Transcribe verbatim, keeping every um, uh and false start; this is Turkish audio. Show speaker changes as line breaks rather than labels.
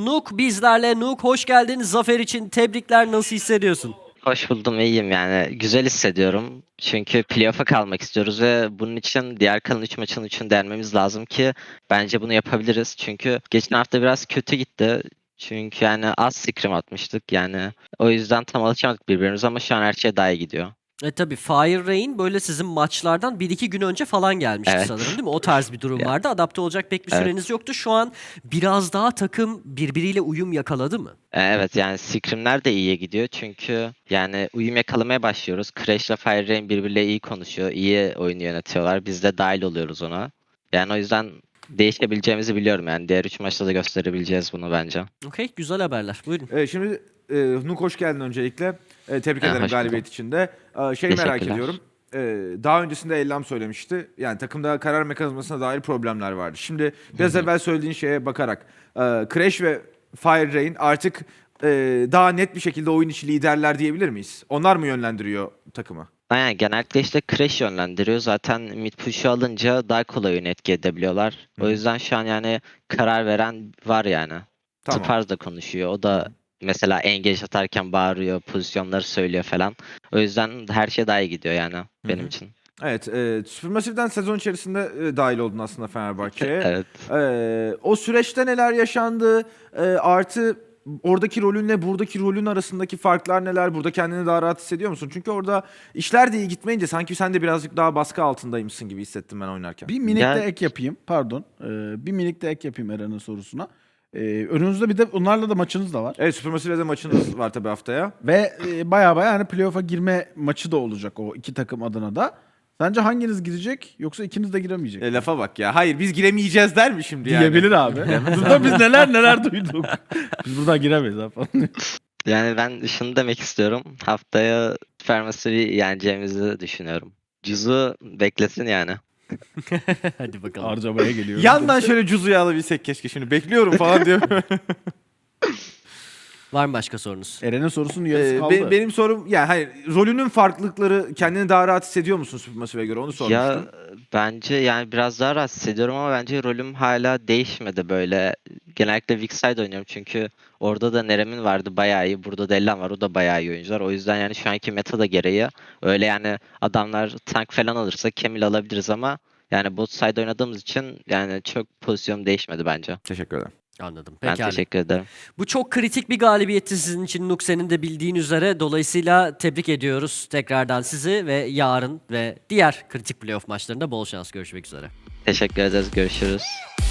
Nuk bizlerle. Nuk hoş geldin. Zafer için tebrikler. Nasıl hissediyorsun?
Hoş buldum, iyiyim yani. Güzel hissediyorum. Çünkü playoff'a kalmak istiyoruz ve bunun için diğer kalan üç maçın üçünü denmemiz lazım ki bence bunu yapabiliriz. Çünkü geçen hafta biraz kötü gitti. Çünkü yani az scrim atmıştık yani. O yüzden tam alışamadık birbirimize ama şu an her şey daha iyi gidiyor.
E tabii Fire Rain böyle sizin maçlardan bir iki gün önce falan gelmişti
Evet.
sanırım değil mi? O tarz bir durum
Ya,
vardı. Adapte olacak pek bir
evet.
süreniz yoktu. Şu an biraz daha takım birbiriyle uyum yakaladı mı?
E, Evet yani scrimler de iyiye gidiyor çünkü yani uyum yakalamaya başlıyoruz. Crash ile Fire Rain birbiriyle iyi konuşuyor, iyi oyunu yönetiyorlar. Biz de dahil oluyoruz ona. Yani o yüzden değişebileceğimizi biliyorum yani. Diğer üç maçta da gösterebileceğiz bunu bence.
Okey, güzel haberler. Buyurun.
Evet, şimdi e, Nuk hoş geldin öncelikle. E, tebrik
E,
ederim
hoş
galibiyet
buldum.
için de. E, şey merak
Teşekkürler.
ediyorum. E, daha öncesinde Ellam söylemişti. Yani takımda karar mekanizmasına dair problemler vardı. Şimdi biraz evvel söylediğin şeye bakarak e, Crash ve Fire Rain artık e, daha net bir şekilde oyun içi liderler diyebilir miyiz? Onlar mı yönlendiriyor takımı?
Aynen genellikle işte Crash yönlendiriyor. Zaten mid push'u alınca daha kolay oyunu etki edebiliyorlar. O
Hı.
yüzden şu an yani karar veren var yani.
Tamam.
Tupars da konuşuyor. O da mesela engage atarken bağırıyor, pozisyonları söylüyor falan. O yüzden her şey daha iyi gidiyor yani benim
hı.
için.
Evet, e, Supermassive'den sezon içerisinde e, dahil oldun aslında Fenerbahçe'ye.
Evet.
E, o süreçte neler yaşandı? E, artı oradaki rolünle buradaki rolün arasındaki farklar neler? Burada kendini daha rahat hissediyor musun? Çünkü orada işler de iyi gitmeyince sanki sen de birazcık daha baskı altındaymışsın gibi hissettim ben oynarken.
Bir minik
Ya-
de ek yapayım. Pardon. Ee, bir minik de ek yapayım Eren'in sorusuna. Ee, önünüzde bir de onlarla da maçınız da var.
Evet, Supermassive'de maçınız var tabii haftaya.
Ve e, baya baya hani playoff'a girme maçı da olacak o iki takım adına da. Sence hanginiz girecek yoksa ikiniz de giremeyecek?
E, lafa bak ya. Hayır, biz giremeyeceğiz der mi şimdi yani?
Diyebilir abi. Burada biz neler neler duyduk. Biz buradan giremeyiz abi falan.
Yani ben şunu demek istiyorum. Haftaya Supermassive'i yeneceğimizi düşünüyorum. Cüz'ü beklesin yani.
Hadi bakalım.
Harcamaya geliyor.
Yandan şöyle Cuzu'yu alabilsek keşke şimdi. Bekliyorum falan diyor.
Var mı başka sorunuz?
Eren'in sorusunun yarısı
Ee,
kaldı.
be- benim sorum yani hayır, rolünün farklılıkları kendini daha rahat hissediyor musun Supermassive'e göre onu sormuştum.
Ya bence yani biraz daha rahatsız hissediyorum ama bence rolüm hala değişmedi böyle. Genellikle weak side oynuyorum çünkü orada da Nerem'in vardı bayağı iyi. Burada da Ellan var, o da bayağı iyi oyuncular. O yüzden yani şu anki meta da gereği öyle yani adamlar tank falan alırsa Camille alabiliriz ama yani bot side oynadığımız için yani çok pozisyon değişmedi bence.
Teşekkür ederim.
Anladım.
Ben
Pekala.
teşekkür ederim.
Bu çok kritik bir galibiyetti sizin için Nuk, senin de bildiğin üzere. Dolayısıyla tebrik ediyoruz tekrardan sizi ve yarın ve diğer kritik playoff maçlarında bol şans. Görüşmek üzere.
Teşekkür ederiz. Görüşürüz.